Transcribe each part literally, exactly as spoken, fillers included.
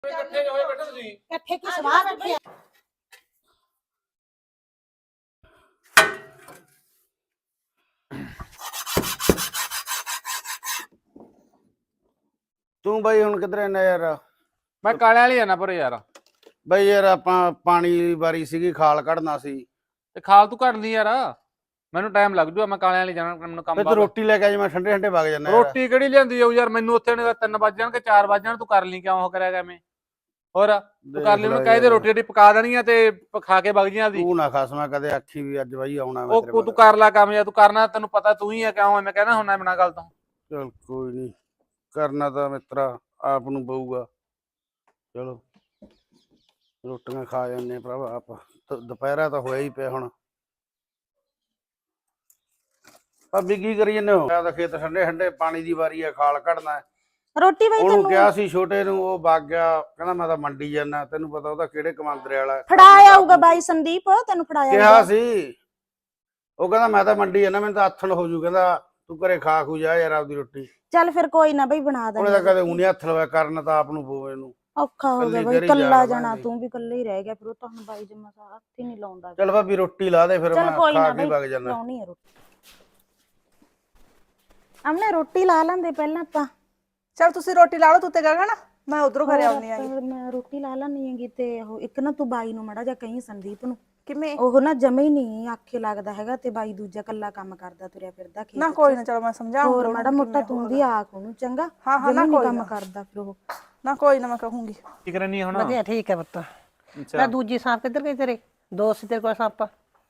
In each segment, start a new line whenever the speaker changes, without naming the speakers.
ਇਕੱਠੇ ਹੋਏ ਬੈਠੇ ਤੁਸੀਂ
ਇਕੱਠੇ ਕੀ ਸਵਾਹ ਬੈਠੇ ਆ।
ਤੂੰ ਬਾਈ ਹੁਣ ਕਿਧਰੇ ਨਾ ਯਾਰ?
ਮੈਂ ਕਾਲਿਆਂ ਵਾਲੀ ਜਾਣਾ ਪਰ ਯਾਰ
ਬਾਈ ਯਾਰ ਆਪਾਂ ਪਾਣੀ ਦੀ ਵਾਰੀ ਸੀਗੀ, ਖਾਲ ਕੱਢਣਾ ਸੀ
ਤੇ ਖਾਲ ਤੂੰ ਘੜ ਲਈ ਯਾਰ, ਮੈਨੂੰ ਟਾਈਮ ਲੱਗ ਜੂਗਾ। ਮੈਂ ਕਾਲਿਆਂ ਵਾਲੀ ਜਾਣਾ, ਮੈਨੂੰ ਕੰਮ
ਤੇ ਤੂੰ
ਬਾਅਦ
ਰੋਟੀ ਲੈ ਕੇ ਆ ਜੀ, ਮੈਂ ਠੰਡੇ ਠੰਡੇ ਵਗ ਜਾਣਾ।
ਰੋਟੀ ਕਿਹੜੀ ਲਿਆਂਦੀ ਜਾਊ ਯਾਰ, ਮੈਨੂੰ ਉੱਥੇ ਨੇ ਤਿੰਨ ਵੱਜ ਜਾਣਗੇ ਚਾਰ ਵੱਜ ਜਾਣ, ਤੂੰ ਕਰ ਲਈ ਕਿਉਂ ਉਹ ਕਰਿਆ ਗਿਆ ਮੈਂ ਹੋਰ ਤੂੰ ਕਰ ਲਈ ਉਹਨੂੰ ਕਹਿ ਦੇ ਰੋਟੀ ਰੋਟੀ ਪਕਾ ਦੇਣੀ ਆ ਤੇ ਖਾ ਕੇ ਵਗ ਜੀਆਂ ਦੀ।
ਤੂੰ ਨਾ ਖਾਸ ਮੈਂ ਕਦੇ ਆਖੀ ਵੀ ਅੱਜ ਬਾਈ ਆਉਣਾ ਮੈਂ ਤੇਰੇ
ਉਹ ਤੂੰ ਕਰ ਲੈ ਕੰਮ ਜਾਂ ਤੂੰ ਕਰਨਾ, ਤੈਨੂੰ ਪਤਾ ਤੂੰ ਹੀ ਆ ਕਿਉਂ ਐਵੇਂ ਕਹਿਣਾ ਹੁੰਨਾ ਬਿਨਾਂ ਗੱਲ ਤੋਂ।
ਚਲ ਕੋਈ ਨਹੀਂ, ਕਰਨਾ ਤਾਂ ਮਿੱਤਰਾ ਆਪ ਨੂੰ ਪਊਗਾ। ਚਲੋ ਰੋਟੀਆਂ ਖਾ ਜਾਂਦੇ ਭਰਾਵਾ, ਆਪ ਦੁਪਹਿਰਾ ਤਾਂ ਹੋਇਆ ਹੀ ਪਿਆ ਹੁਣ। ਭਾਬੀ ਕੀ ਕਰੀ ਜਾਂਦੇ ਹੋ? ਮੈਂ ਤਾਂ ਖੇਤ ਠੰਡੇ ਠੰਡੇ ਪਾਣੀ ਦੀ ਵਾਰੀ ਆ, ਖਾਲ ਕੱਢਣਾ।
ਰੋਟੀ ਬਈ
ਉਹਨੂੰ
ਤੈਨੂੰ
ਕਿਹਾ ਸੀ ਛੋਟੇ ਨੂੰ, ਉਹ ਵਗ ਗਿਆ, ਕਹਿੰਦਾ ਮੈਂ ਤਾਂ ਮੰਡੀ ਜਾਣਾ। ਤੈਨੂੰ ਪਤਾ ਉਹਦਾ ਕਿਹੜੇ ਕਮਾਂਦਰੇ ਵਾਲਾ।
ਫੜਾਇਆ ਆਊਗਾ ਬਾਈ ਸੰਦੀਪ, ਤੈਨੂੰ ਫੜਾਇਆ
ਕਿਹਾ ਸੀ, ਉਹ ਕਹਿੰਦਾ ਮੈਂ ਤਾਂ ਮੰਡੀ ਜਾਣਾ, ਮੈਨੂੰ ਤਾਂ ਆਥਣ ਹੋ ਜੂ। ਕਹਿੰਦਾ ਤੂੰ ਘਰੇ ਖਾ ਖੂ ਜਾ ਯਾਰ ਆਪਦੀ ਰੋਟੀ।
ਚੱਲ ਫਿਰ ਕੋਈ ਨਾ ਬਈ ਬਣਾ ਦੇ।
ਉਹਨੇ ਤਾਂ ਕਦੇ ਊਂ ਨੀ ਹੱਥ ਲਵਾਇਆ, ਕਰਨ ਤਾਂ ਆਪ ਨੂੰ ਪਵੇ ਇਹਨੂੰ।
ਔਖਾ ਹੋ ਗਿਆ ਬਈ, ਕੱਲਾ ਜਾਣਾ, ਤੂੰ ਵੀ ਕੱਲਾ ਹੀ ਰਹਿ ਗਿਆ। ਫਿਰ ਉਹ ਤਾਂ ਹੁਣ ਬਾਈ ਜਮਾ ਸਾਰਾ ਹੱਥ ਹੀ ਨਹੀਂ ਲਾਉਂਦਾ।
ਚੱਲ ਭਾਬੀ ਰੋਟੀ ਲਾ ਦੇ, ਫਿਰ ਮੈਂ ਖਾ ਕੇ ਵਗ ਜਾਣਾ।
ਲਾਉਣੀ ਹੈ ਰੋਟੀ, ਅਮਨੇ ਰੋਟੀ ਲਾ ਲੈਂਦੇ ਪਹਿਲਾਂ ਆਪਾਂ।
ਚਲ ਤੁਸੀਂ ਰੋਟੀ ਲਾ ਲਓ, ਤੂੰ ਤੇ ਗਗਨ, ਮੈਂ ਉਧਰੋਂ ਘਰੇ ਆਉਣੀ ਆ।
ਮੈਂ ਰੋਟੀ ਲਾ ਲੈਣੀ ਹੈਗੀ ਤੇ ਉਹ ਇੱਕ ਨਾ ਤੂੰ ਬਾਈ ਨੂੰ ਮੜਾ ਜਾ ਕਹੀਂ ਸੰਦੀਪ ਨੂੰ,
ਕਿਵੇਂ
ਉਹ ਨਾ ਜਮੇ ਹੀ ਨਹੀਂ ਆਖੇ ਲੱਗਦਾ ਹੈਗਾ ਤੇ ਬਾਈ ਦੂਜਾ ਕੱਲਾ ਕੰਮ ਕਰਦਾ ਤੁਰਿਆ ਫਿਰਦਾ ਖੇਤ
ਨਾ। ਕੋਈ ਨਾ, ਚਲੋ ਮੈਂ ਸਮਝਾਉਂਗੀ।
ਹੋਰ ਮਾੜਾ ਮੋਟਾ ਤੂੰ ਵੀ ਆਖ ਉਹਨੂੰ ਚੰਗਾ।
ਹਾਂ ਹਾਂ ਨਾ, ਕੋਈ
ਕੰਮ ਕਰਦਾ ਫਿਰ ਉਹ।
ਨਾ ਕੋਈ ਨਾ, ਮੈਂ ਕਹੂੰਗੀ।
ਕੀ ਕਰਨੀ ਹੁਣ?
ਵਧੀਆ ਠੀਕ ਹੈ ਪੁੱਤ। ਮੈਂ ਦੂਜੀ ਸਾਂਪ ਕਿੱਧਰ ਗਈ ਤੇਰੇ? ਦੋ ਸੀ ਤੇਰੇ ਕੋਲ ਸਾਂਪਾਂ।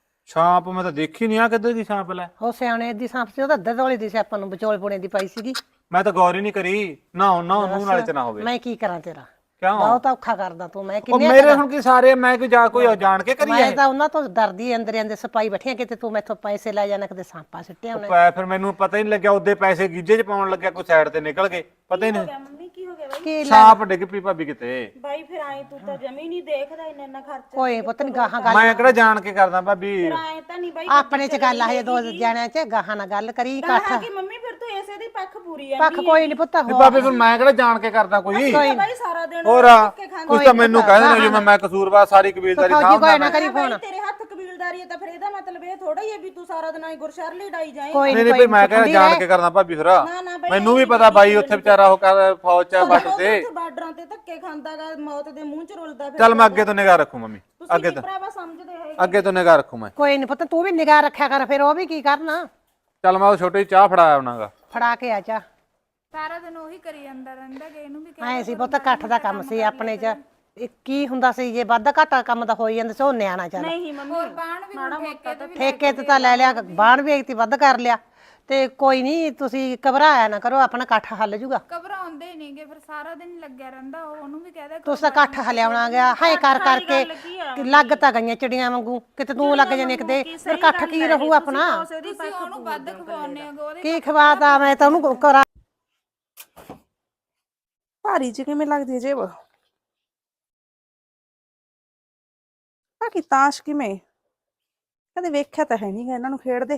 ਛਾਪ ਮੈਂ ਤਾਂ ਦੇਖੀ ਨਹੀਂ ਆ, ਕਿੱਧਰ ਦੀ ਛਾਪ ਲੈ?
ਉਹ ਸਿਆਣੇ ਦੀ ਸਾਂਪ ਸੀ, ਉਹਦਾ ਅੱਧਾ ਵਾਲੀ ਦੀ ਸੀ, ਆਪਾਂ ਨੂੰ ਵਿਚੋਲ ਪੁਣੇ ਦੀ ਪਾਈ ਸੀਗੀ।
ਮੈਂ ਤਾਂ ਗੌਰ ਹੀ ਨਹੀਂ ਕਰੀ ਨਾ ਨਾ ਉਹਨੂੰ ਨਾਲੇ ਤੇ ਨਾ ਹੋਵੇ।
ਮੈਂ ਕੀ ਕਰਾਂ ਤੇਰਾ?
ਕਿਉਂ?
ਬਹੁਤ ਔਖਾ ਕਰਦਾ ਤੂੰ। ਮੈਂ
ਉਹ
ਕਿੰਨੇ
ਮੇਰੇ ਹੁਣ ਕੀ ਸਾਰੇ ਮੈਂ ਕੋਈ ਜਾ ਕੋਈ ਜਾਣ ਕੇ ਕਰੀ
ਮੈਂ ਤਾਂ ਉਹਨਾਂ ਤੋਂ ਡਰਦੀ ਅੰਦਰ ਅੰਦਰ ਸਪਾਈ ਬੈਠੀਆਂ, ਕਿਤੇ ਤੂੰ ਮੈਥੋਂ ਪੈਸੇ ਲੈ ਜਾਣਾ, ਕਿਤੇ ਸਾਂਪਾ ਸਿੱਟਿਆ ਉਹਨੇ।
ਪੈ ਫਿਰ ਮੈਨੂੰ ਪਤਾ ਹੀ ਨਹੀਂ ਲੱਗਿਆ, ਉਹਦੇ ਪੈਸੇ ਗੀਜੇ 'ਚ ਪਾਉਣ ਲੱਗਿਆ, ਕੋਈ ਸਾਈਡ ਤੇ ਨਿਕਲ ਗਏ, ਪਤਾ ਹੀ ਨਹੀਂ।
ਮੰਮੀ ਕੀ ਹੋ ਗਿਆ ਬਾਈ?
ਕੀ
ਛਾਪ ਡਿੱਗ ਪਈ ਭਾਬੀ ਕਿਤੇ।
ਬਾਈ ਫਿਰ ਆਏ ਤੂੰ ਤਾਂ ਜਮੀ ਨਹੀਂ ਦੇਖਦਾ ਇੰਨਾ ਇੰਨਾ ਖਰਚਾ।
ਕੋਈ ਪੁੱਤ ਨੀ ਗਾਹਾਂ ਗੱਲ।
ਮੈਂ ਕਿਹੜਾ ਜਾਣ ਕੇ ਕਰਦਾ ਭਾਬੀ?
ਆਏ ਤਾਂ ਨਹੀਂ ਬਾਈ
ਆਪਣੇ ਚ ਗੱਲ ਆ, ਦੋ ਜਣਿਆਂ ਚ ਗਾਹਾਂ ਨਾਲ ਗੱਲ ਕਰੀ ਇਕੱਠ।
ਕਿ ਮੰਮੀ ਫਿਰ ਤੂੰ ਇਸੇ ਦੀ ਪੱਖ ਪੂਰੀ ਆ।
ਪੱਖ ਕੋਈ ਨਹੀਂ ਪੁੱਤ।
ਵੀ ਭਾਬੀ ਫਿਰ ਮੈਂ ਕਿਹੜਾ ਜਾਣ ਕੇ ਕਰਦਾ ਕੋਈ?
ਬਾਈ ਸਾਰਾ ਦਿਨ
ਹੋਰ ਕੁਛ ਤਾਂ ਮੈਨੂੰ ਕਹਿੰਦੇ ਨੇ ਜਿਵੇਂ ਮੈਂ ਕਸੂਰਵਾਰ ਸਾਰੀ ਕਬੀਲਦਾਰੀ
ਫੌਜੀ ਕੋਈ ਨਾ ਕਰੀ ਫੋਨ।
ਤੇਰੇ ਹੱਥ ਕਬੀਲਦਾਰੀ ਹੈ ਤਾਂ ਫਿਰ ਇਹਦਾ ਮਤਲਬ ਇਹ ਥੋੜਾ ਹੀ ਹੈ ਵੀ ਤੂੰ ਸਾਰਾ ਦਿਨ ਆਈ ਗੁਰਸ਼ਰ ਲਈ ਡਾਈ ਜਾਏ।
ਕੋਈ
ਨਹੀਂ ਨਹੀਂ ਭਾਈ, ਮੈਂ ਕਿਹੜਾ ਜਾਣ ਕੇ ਕਰਦਾ ਭਾਬੀ ਫਿਰ। ਮੈਨੂੰ ਵੀ ਪਤਾ ਬਾਈ ਉੱਥੇ ਵਿਚਾਰਾ ਉਹ ਕਰ ਫੌਜ ਚ ਬੱਟ ਤੇ
ਬਾਰਡਰਾਂ ਤੇ ਧੱਕੇ ਖਾਂਦਾਗਾ, ਮੌਤ ਦੇ ਮੂੰਹ ਚ ਰੁਲਦਾ ਫਿਰ।
ਚੱਲ ਮੈਂ ਅੱਗੇ ਤੋਂ ਨਿਗਾਹ ਰੱਖੂ ਮੰਮੀ, ਅੱਗੇ ਤੋਂ
ਭਰਾਵਾ ਸਮਝਦੇ ਹੋਏ
ਅੱਗੇ ਤੋਂ ਨਿਗਾਹ ਰੱਖੂ ਮੈਂ।
ਕੋਈ ਨਹੀਂ ਪੁੱਤ, ਤੂੰ ਵੀ ਨਿਗਾਹ ਰੱਖਿਆ ਕਰ, ਫਿਰ ਉਹ ਵੀ ਕੀ ਕਰਨਾ।
ਚੱਲ ਮੈਂ ਉਹ ਛੋਟੀ ਚਾਹ ਫੜਾਇਆ ਉਹਨਾਂਗਾ।
ਫੜਾ ਕੇ ਆ ਜਾ।
ਸਾਰਾ ਦਿਨ ਉਹੀ ਕਰੀ ਜਾਂਦਾ ਰਹਿੰਦਾ ਗੇ, ਇਹਨੂੰ ਵੀ
ਐ ਸੀ ਪੁੱਤ, ਇਕੱਠ ਦਾ ਕੰਮ ਸੀ ਆਪਣੇ ਚ। ਇਹ ਕੀ ਹੁੰਦਾ ਸੀ, ਜੇ ਵੱਧ ਘਾਟਾ ਕੰਮ ਤਾਂ ਹੋ ਹੀ ਜਾਂਦਾ ਸੀ, ਉਹ ਨਿਆਣਾ ਚੱਲ।
ਨਹੀਂ ਮੰਮੀ
ਹੋਰ ਬਾਣ ਵੀ ਹੁਣ ਠੇਕੇ ਤੇ ਵੀ
ਠੇਕੇ ਤੇ ਤਾਂ ਲੈ ਲਿਆ, ਬਾਣ ਵੀ ਇੱਕ ਵੱਧ ਕਰ ਲਿਆ ਤੇ ਕੋਈ ਨਹੀਂ, ਤੁਸੀਂ ਘਬਰਾਇਆ ਨਾ ਕਰੋ, ਆਪਣਾ ਇਕੱਠ ਹੱਲ ਜੂਗਾ।
ਘਬਰਾਉਂਦੇ ਹੀ ਨਹੀਂਗੇ, ਫਿਰ ਸਾਰਾ ਦਿਨ ਲੱਗਿਆ ਰਹਿੰਦਾ। ਉਹ ਉਹਨੂੰ ਵੀ ਕਹਦਾ
ਤੁਸੀਂ ਤਾਂ ਇਕੱਠ ਹਲਿਆਉਣਾ ਗਿਆ, ਹਾਏ ਕਰ ਕਰਕੇ ਲੱਗ ਤਾਂ ਗਈਆਂ ਚਿੜੀਆਂ ਵਾਂਗੂ, ਕਿਤੇ ਤੂੰ ਲੱਗ ਜਾਣੇ ਕਿਤੇ, ਫਿਰ ਇਕੱਠ ਕੀ ਰਹੂ ਆਪਣਾ?
ਤੁਸੀਂ ਉਹਨੂੰ ਵੱਧ ਖਵਾਉਂਦੇ ਹੋ ਉਹਦੇ।
ਕੀ ਖਵਾਤਾ ਮੈਂ ਤਾਂ ਉਹਨੂੰ ਕਰਾਂ।
ਭਾਰੀ ਜੀ ਕਿਵੇਂ ਲੱਗਦੀ ਹੈ ਜੇਬ? ਆ ਕੀ ਤਾਸ਼ ਕਿਵੇਂ? ਕਦੇ ਵੇਖਿਆ ਤਾਂ ਹੈ ਨਹੀਂਗਾ ਇਹਨਾਂ ਨੂੰ ਖੇਡਦੇ।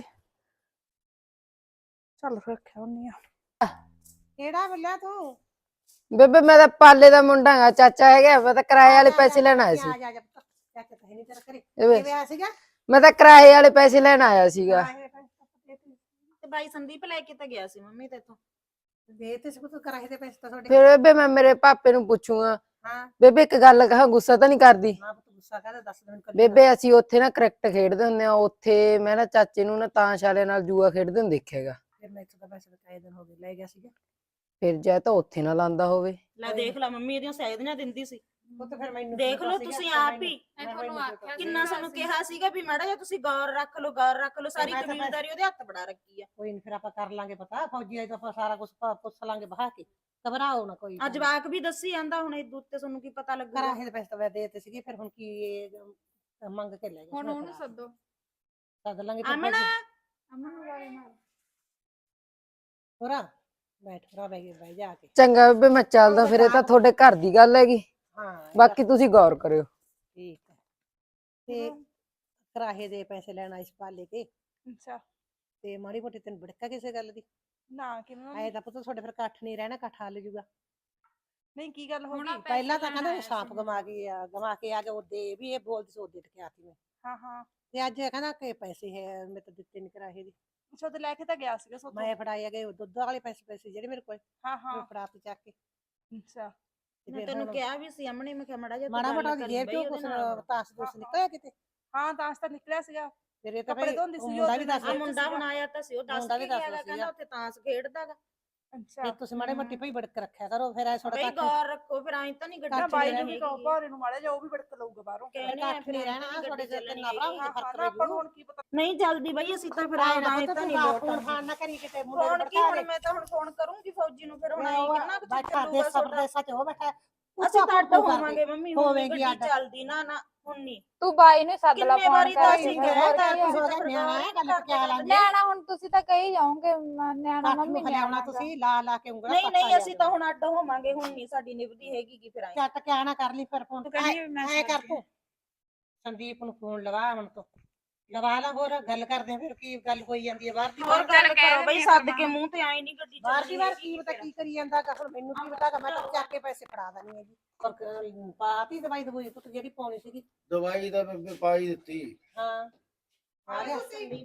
ਚੱਲ ਰੱਖਿਆ ਹੁੰਨੀ ਆ।
ਕਿਹੜਾ ਬੱਲਿਆ ਤੂੰ?
ਬੇਬੇ ਮੈਂ ਤਾਂ ਪਾਲੇ ਦਾ ਮੁੰਡਾ ਹਾਂ, ਚਾਚਾ ਹੈਗਾ। ਮੈਂ ਤਾਂ ਕਿਰਾਏ ਵਾਲੇ ਪੈਸੇ ਲੈਣ ਆਇਆ ਸੀ।
ਆ ਜਾ ਜਾ ਪੁੱਤ, ਚਾਚਾ ਤਾਂ ਹੈ ਨਹੀਂ ਤੇਰਾ ਘਰੇ।
ਇਹ
ਕਿਵੇਂ ਆਇਆ ਸੀਗਾ?
ਮੈਂ ਤਾਂ ਕਿਰਾਏ ਵਾਲੇ ਪੈਸੇ ਲੈਣ ਆਇਆ ਸੀਗਾ।
ਤੇ ਬਾਈ ਸੰਦੀਪ ਲੈ ਕੇ ਤਾਂ ਗਿਆ ਸੀ ਮੰਮੀ ਤੇ ਤੋਂ।
ਦੇ ਤੇ ਸਭ ਤੋਂ ਕਿਰਾਏ ਦੇ ਪੈਸੇ ਤਾਂ ਤੁਹਾਡੇ।
ਫਿਰ ਬੇਬੇ ਮੈਂ ਮੇਰੇ ਪਾਪੇ ਨੂੰ ਪੁੱਛੂਗਾ।
ਹਾਂ
ਬੇਬੇ ਇੱਕ ਗੱਲ ਕਹਾਂ, ਗੁੱਸਾ ਤਾਂ ਨਹੀਂ ਕਰਦੀ?
ਨਾ ਪੁੱਤ, ਗੁੱਸਾ ਕਾਹਦਾ, ਦੱਸ ਦੇ ਮੈਨੂੰ।
ਬੇਬੇ ਅਸੀਂ ਉੱਥੇ ਨਾ ਕ੍ਰਿਕਟ ਖੇਡਦੇ ਹੁੰਦੇ ਆ, ਉੱਥੇ ਮੈਂ ਨਾ ਚਾਚੇ ਨੂੰ ਨਾ ਤਾਸ਼ ਵਾਲਿਆਂ ਨਾਲ ਜੂਆ ਖੇਡਦੇ ਹੁੰਦੇ ਦੇਖਿਆਗਾ।
ਫਿਰ ਮੈਂ ਇੱਥੋਂ ਤਾਂ ਪੈਸੇ ਕਾਇ ਦਿਨ ਹੋ ਗਏ ਲੈ ਗਿਆ ਸੀਗਾ।
ਫਿਰ ਜਾਂ ਤਾਂ ਉੱਥੇ ਨਾ ਲਾਂਦਾ ਹੋਵੇ।
ਲੈ ਦੇਖ ਲੈ ਮੰਮੀ ਇਹਦੀਆਂ ਸੈਦੀਆਂ ਦਿੰਦੀ ਸੀ।
ਪੁੱਤ ਫਿਰ ਮੈਨੂੰ
ਦੇਖ ਲਓ ਤੁਸੀਂ ਆਪ ਹੀ
ਤੁਹਾਨੂੰ ਆਖਿਆ
ਕਿੰਨਾ ਸਾਨੂੰ ਕਿਹਾ ਸੀਗਾ ਵੀ ਮਾੜਾ ਜਿਹਾ ਤੁਸੀਂ ਗੌਰ ਰੱਖ ਲਓ, ਗੌਰ ਰੱਖ ਲਓ। ਸਾਰੀ ਕਬੀਲਦਾਰੀ ਉਹਦੇ ਹੱਥ ਬੜਾ ਰੱਖੀ ਆ।
ਕੋਈ ਨਹੀਂ, ਫਿਰ ਆਪਾਂ ਕਰ ਲਾਂਗੇ ਪਤਾ। ਫੌਜੀ ਆਈ ਤਾਂ ਆਪਾਂ ਸਾਰਾ ਕੁਝ ਪੁੱਛ ਲਾਂਗੇ ਬਹਾ ਕੇ। ਘਬਰਾਓ ਨਾ ਕੋਈ।
ਅੱਜ ਵਾਕ ਵੀ ਦੱਸੀ ਜਾਂਦਾ, ਹੁਣ ਇਹ ਦੁੱਧ ਤੇ ਤੁਹਾਨੂੰ ਕੀ ਪਤਾ ਲੱਗੂਗਾ।
ਕਿਰਾਏ ਦੇ ਪੈਸੇ ਤਾਂ ਮੈਂ ਦੇ ਦਿੱਤੇ ਸੀਗੇ, ਫਿਰ ਹੁਣ ਕੀ ਇਹ ਮੰਗ ਕੇ ਲੈ ਗਿਆ।
ਹੁਣ ਉਹਨੂੰ ਸੱਦੋ।
ਸੱਦ ਲਾਂਗੇ ਫਿਰ।
ਅਮਨ
ਅਮਨ ਨੂੰ ਵਾਲੇ ਨਾਲ
ਹੋਰਾ ਬੈਠ, ਹੋਰਾ ਬੈ ਬਹਿ ਜਾ ਕੇ।
ਚੰਗਾ ਬੇਬੇ ਮੈਂ ਚੱਲਦਾ, ਫਿਰ ਇਹ ਤਾਂ ਤੁਹਾਡੇ ਘਰ ਦੀ ਗੱਲ ਹੈਗੀ।
ਹਾਂ
ਬਾਕੀ ਤੁਸੀਂ ਗੌਰ ਕਰਿਓ।
ਠੀਕ ਹੈ। ਤੇ ਕਿਰਾਏ ਦੇ ਪੈਸੇ ਲੈਣਾ ਇਸ ਪਾਲੇ ਕੇ
ਅੱਛਾ
ਤੇ ਮਾੜੀ ਮੋਟੀ ਤੈਨੂੰ ਭੜਕਾ ਕਿਸੇ ਗੱਲ ਦੀ?
ਨਾ ਕਿਵੇਂ?
ਐ ਤਾਂ ਪੁੱਤ ਤੁਹਾਡੇ ਫਿਰ ਇਕੱਠ ਨਹੀਂ ਰਹਿਣਾ, ਇਕੱਠ ਹੱਲ ਜੂਗਾ।
ਨਹੀਂ ਕੀ ਗੱਲ ਹੋ
ਹੁਣ
ਗਈ?
ਪੈਸੇ
ਪਹਿਲਾਂ ਤਾਂ
ਲੈਣ
ਕਹਿੰਦਾ
ਆਇਆ
ਸਾਫ
ਸੀ।
ਗਵਾ ਕੇ ਆ ਗਵਾ ਕੇ ਆ ਗਿਆ ਉਹਦੇ ਵੀ ਇਹ ਬੋਲਦੀ ਸੀ ਉਹਦੇ ਟਕਿਆ ਸੀ ਮੈਂ
ਹਾਂ ਹਾਂ
ਤੇ ਅੱਜ ਇਹ ਕਹਿੰਦਾ ਕਿ ਪੈਸੇ ਹੈ ਮੈਂ ਤਾਂ ਦਿੱਤੇ ਨਹੀਂ ਕਰਾਏ ਦੀ
ਅੱਛਾ ਤੇ ਲੈ ਕੇ ਤਾਂ ਗਿਆ ਸੀਗਾ ਸੋਤੋਂ।
ਮੈਂ ਫੜਾਏ ਗਏ ਦੁੱਧ ਵਾਲੇ ਪੈਸੇ ਪੈਸੇ ਜਿਹੜੇ ਮੇਰੇ ਕੋਲ
ਹਾਂ
ਮੈਂ
ਹਾਂ
ਫੜਾ ਤੇ ਚੱਕ ਕੇ
ਅੱਛਾ
ਤੇ
ਮੈਂ
ਫਿਰ
ਤੈਨੂੰ
ਹੁਣ
ਕਿਹਾ ਵੀ ਸੀ ਅਮਣੇ ਮੈਂ ਕਿਹਾ ਮੜਾ ਜਾ
ਮਾੜਾ ਮੋਟਾ ਦੀ ਜੇਬ ਚੋਂ ਕੁਛ ਤਾਸ ਤੂਸ ਨਿਕਲਿਆ ਕਿਤੇ
ਹਾਂ ਤਾਂ ਤਾਂ ਨਿਕਲਿਆ ਸੀਗਾ।
ਫਿਰ ਇਹ ਤਾਂ
ਕੱਪੜੇ
ਭਾਈ
ਧੋਂਦੀ ਸੀ
ਮੁੰਡਾ
ਉਹ
ਵੀ
ਦਿਨ
ਦੱਸ
ਆ ਮੁੰਡਾ ਹੁਣ ਆਇਆ ਤਾਂ ਸੀ ਉਹ ਦੱਸ
ਮੁੰਡਾ
ਕੇ
ਵੀ ਦੱਸ
ਗਿਆ
ਰਿਹਾ
ਕਹਿੰਦਾ
ਸੀਗਾ।
ਉੱਥੇ ਤਾਂਸ ਖੇਡਦਾਗਾ
ਅੱਛਾ
ਵੀ ਤੁਸੀਂ ਮਾੜੇ ਮੋਟੀ ਭਾਈ ਬੜਕ ਰੱਖਿਆ ਕਰੋ ਫਿਰ ਐ ਥੋੜਾ
ਬਈ ਗੌਰ ਰੱਖੋ ਫਿਰ ਐਂ ਤਾਂ ਨਹੀਂ
ਨਾ
ਗੱਡਾ
ਬਾਈ ਨੂੰ ਵੀ ਕਹੋ ਭਾਰੇ ਨੂੰ ਮਾੜਾ ਜਾ ਉਹ ਵੀ ਬੜਕ ਲਊਗਾ ਬਾਹਰੋਂ।
ਕਹਿਣੇ ਆ
ਕੱਖ ਨਹੀਂ ਰਹਿਣਾ ਤੁਹਾਡੇ ਸਿਰ ਤੇ ਨਾ ਭਰਾ
ਹਾਂ
ਫਰਕ
ਹਾਂ
ਪੈ
ਨਾ ਆਪਾਂ ਨੂੰ
ਜੂ
ਹੁਣ ਕੀ ਪਤਾ।
ਨਹੀਂ ਜਲਦੀ ਬਈ ਅਸੀਂ ਤਾਂ ਫਿਰ
ਆਏ
ਆਏ
ਨਾ
ਤਾਂ
ਪਤਾ
ਨਹੀਂ
ਤੂੰ
ਲੋਟ
ਫੋਨ ਫਾਨ ਨਾ ਕਰੀ ਕਿਤੇ ਮੁੰਡੇ
ਹੁਣ
ਨੂੰ
ਕੀ
ਭੜਕਾ
ਹੁਣ
ਦੇ
ਮੈਂ ਤਾਂ ਹੁਣ ਫੋਨ ਕਰੂੰਗੀ ਫੌਜੀ ਨੂੰ ਫਿਰ ਹੁਣ
ਮੈਂ
ਐਂ
ਉਹ
ਕਿੰਨਾ ਕੁ
ਬੈਠਾ
ਚੱਲੂਗਾ
ਦੇ ਸਭ
ਤੁਹਾਡਾ।
ਦੇ ਸੱਚ ਹੋ ਬੈਠਾ
ਅਸੀਂ ਤਾਂ ਅੱਡ ਹੋਵਾਂਗੇ ਮੰਮੀ ਹੁਣ
ਹੋਵੇਂਗੀ
ਗੱਡੀ
ਅੱਡ।
ਚੱਲਦੀ ਨਾ ਨਾ ਹੁਣ ਨਹੀਂ
ਤੂੰ ਬਾਈ ਨੂੰ ਸੱਦ ਲਾ
ਕਿੰਨੇ
ਫੋਨ
ਵਾਰੀ ਤਾਂ
ਕਰਕੇ
ਅਸੀਂ
ਫਿਰ
ਗਏ
ਹੋਰ
ਤਾਂ
ਕੀ ਆ।
ਤੁਸੀਂ
ਹੋ
ਤਾਂ
ਗਿਆ ਨਿਆਣਾ ਹੈ ਗੱਲ
ਕਰਦੇ
ਕਿਆ ਲਾਂਗੇ
ਨਿਆਣਾ ਹੁਣ ਤੁਸੀਂ ਤਾਂ ਕਹੀ ਜਾਓਗੇ ਮ- ਨਿਆਣਾ
ਕੱਖ
ਮੰਮੀ
ਨੂੰ ਖਲਿਆਉਣਾ
ਨਿਆਣਾ
ਤੁਸੀਂ ਲਾ ਲਾ ਕੇ ਉਂਗਲਾਂ
ਨਹੀਂ
ਪੱਕਾ
ਨਹੀਂ
ਲਿਆ
ਅਸੀਂ ਤਾਂ ਹੁਣ ਅੱਡ ਹੋਵਾਂਗੇ ਹੁਣ ਨਹੀਂ ਸਾਡੀ ਨਿਭਦੀ ਹੈਗੀ ਕੀ ਫਿਰ ਆਏ
ਚੱਟ ਕੇ ਆਣਾ ਕਰ ਲਈ ਫਿਰ ਫੋਨ
ਤੂੰ ਕਹਿੰਦੀ ਮੈਂ
ਐ ਕਰ ਤੂੰ ਸੰਦੀਪ ਨੂੰ ਫੋਨ ਲਵਾ ਹੁਣ ਤੋਂ ਲਵਾ ਲਾ ਹੋਰ ਗੱਲ ਕਰਦੇ ਆਂ ਫਿਰ ਕੀ ਗੱਲ ਹੋਈ ਜਾਂਦੀ ਹੈ ਬਾਹਰ ਦੀ
ਹੋਰ
ਬਾਹਰ
ਗੱਲ ਕਰੋ ਬਈ ਸੱਦ ਕੇ ਮੂੰਹ ਤੇ ਆਏ ਨਹੀਂ ਗੱਡੀ
ਬਾਹਰ ਦੀ
ਚੱਲਦੀ
ਬਾਹਰ ਕੀ ਪਤਾ ਕੀ ਕਰੀ ਜਾਂਦਾ ਗਾ, ਹੁਣ ਮੈਨੂੰ ਕੀ ਪਤਾ ਗਾ, ਮੈਂ ਤਾਂ ਚੱਕ ਕੇ ਪੈਸੇ ਫੜਾ ਦੇਣੀ ਹੈਗੀ ਪਰ ਕ- ਪਾਤੀ ਦਵਾਈ ਦਵਾਈ ਪੁੱਤ ਜਿਹੜੀ ਪਾਉਣੀ ਸੀਗੀ
ਦਵਾਈ ਤਾਂ ਬੇਬੇ ਪਾਈ ਦਿੱਤੀ।
ਹਾਂ ਆ ਗਿਆ